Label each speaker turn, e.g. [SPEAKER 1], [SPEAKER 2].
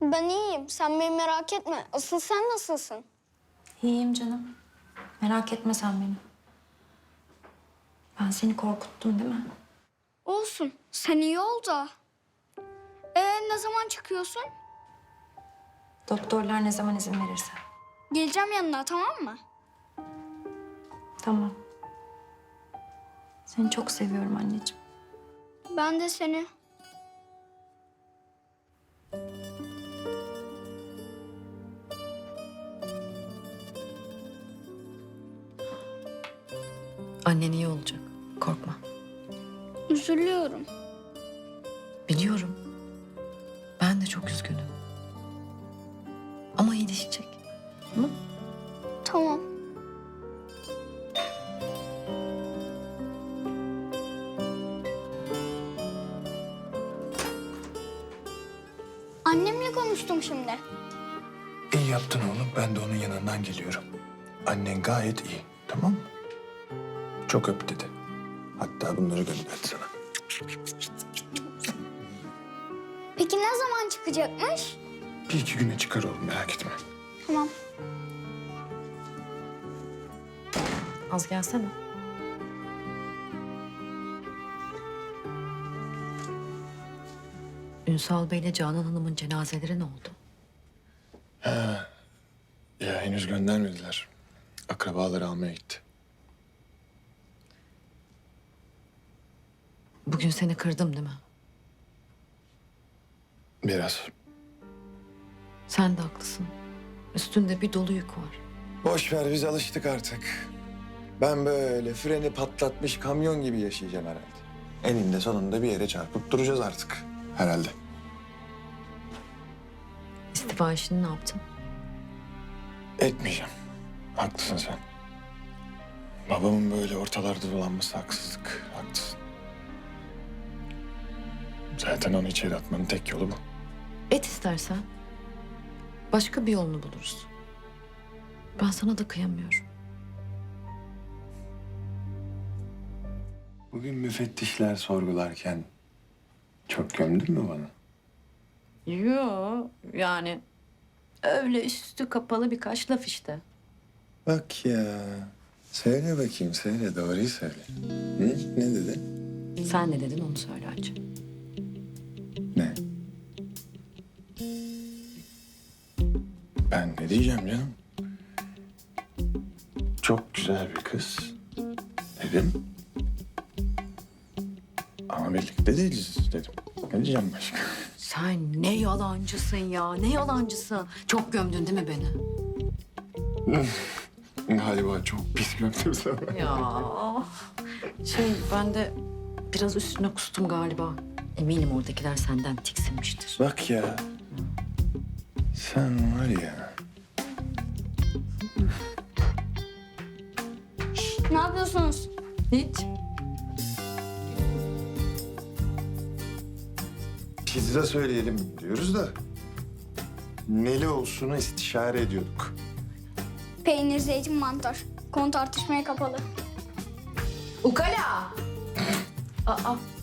[SPEAKER 1] Ben iyiyim. Sen beni merak etme. Asıl sen nasılsın?
[SPEAKER 2] İyiyim canım. Merak etme sen beni. Ben seni korkuttum değil mi?
[SPEAKER 1] Olsun. Sen iyi ol da. Ne zaman çıkıyorsun?
[SPEAKER 2] Doktorlar ne zaman izin verirse.
[SPEAKER 1] Geleceğim yanına, tamam mı?
[SPEAKER 2] Tamam. Seni çok seviyorum anneciğim.
[SPEAKER 1] Ben de seni.
[SPEAKER 3] Annen iyi olacak. Korkma.
[SPEAKER 1] Üzülüyorum.
[SPEAKER 3] Biliyorum. Ben de çok üzgünüm. Ama iyileşecek. Tamam mı?
[SPEAKER 1] Tamam. Annemle konuştum şimdi.
[SPEAKER 4] İyi yaptın oğlum. Ben de onun yanından geliyorum. Annen gayet iyi. Tamam mı? Çok öp dedi. Hatta bunları gönderdi sana.
[SPEAKER 1] Peki ne zaman çıkacakmış?
[SPEAKER 4] Bir iki güne çıkar oğlum, merak etme.
[SPEAKER 1] Tamam.
[SPEAKER 3] Az gelsene. Ünsal Bey ile Canan Hanım'ın cenazeleri ne oldu?
[SPEAKER 4] Ya henüz göndermediler. Akrabaları almaya gitti.
[SPEAKER 3] Bugün seni kırdım değil mi?
[SPEAKER 4] Biraz.
[SPEAKER 3] Sen de haklısın. Üstünde bir dolu yük var.
[SPEAKER 4] Boş ver, biz alıştık artık. Ben böyle freni patlatmış kamyon gibi yaşayacağım herhalde. Eninde sonunda bir yere çarpıp duracağız artık. Herhalde.
[SPEAKER 3] İstifa işini ne yaptın?
[SPEAKER 4] Etmeyeceğim. Haklısın sen. Babamın böyle ortalarda dolanması haksızlık. Haklısın. Zaten onu içeri atmanın tek yolu bu.
[SPEAKER 3] Et istersen. Başka bir yolunu buluruz. Ben sana da kıyamıyorum.
[SPEAKER 4] Bugün müfettişler sorgularken çok gömdün mü bana?
[SPEAKER 3] Yo, yani öyle üstü kapalı birkaç laf işte.
[SPEAKER 4] Bak ya. Söyle bakayım, söyle. Doğruyu söyle. Hı? Ne dedin?
[SPEAKER 3] Sen ne dedin onu söyle Hacı.
[SPEAKER 4] Ne? Ben ne diyeceğim canım? Çok güzel bir kız dedim. Ama birlikte değiliz dedim. Ne diyeceğim başka?
[SPEAKER 3] Sen ne yalancısın ya, ne yalancısın. Çok gömdün değil mi beni?
[SPEAKER 4] Galiba çok pis gömdüm sana.
[SPEAKER 3] Ya ben de biraz üstüne kustum galiba. Eminim oradakiler senden tiksinmiştir.
[SPEAKER 4] Bak ya. Sen var ya.
[SPEAKER 1] Ne yapıyorsunuz?
[SPEAKER 3] Hiç.
[SPEAKER 4] Pizza söyleyelim diyoruz da. Neli olsunu istişare ediyorduk.
[SPEAKER 1] Peynir, zeytin, mantar. Konu tartışmaya kapalı.
[SPEAKER 3] Ukala! Aa,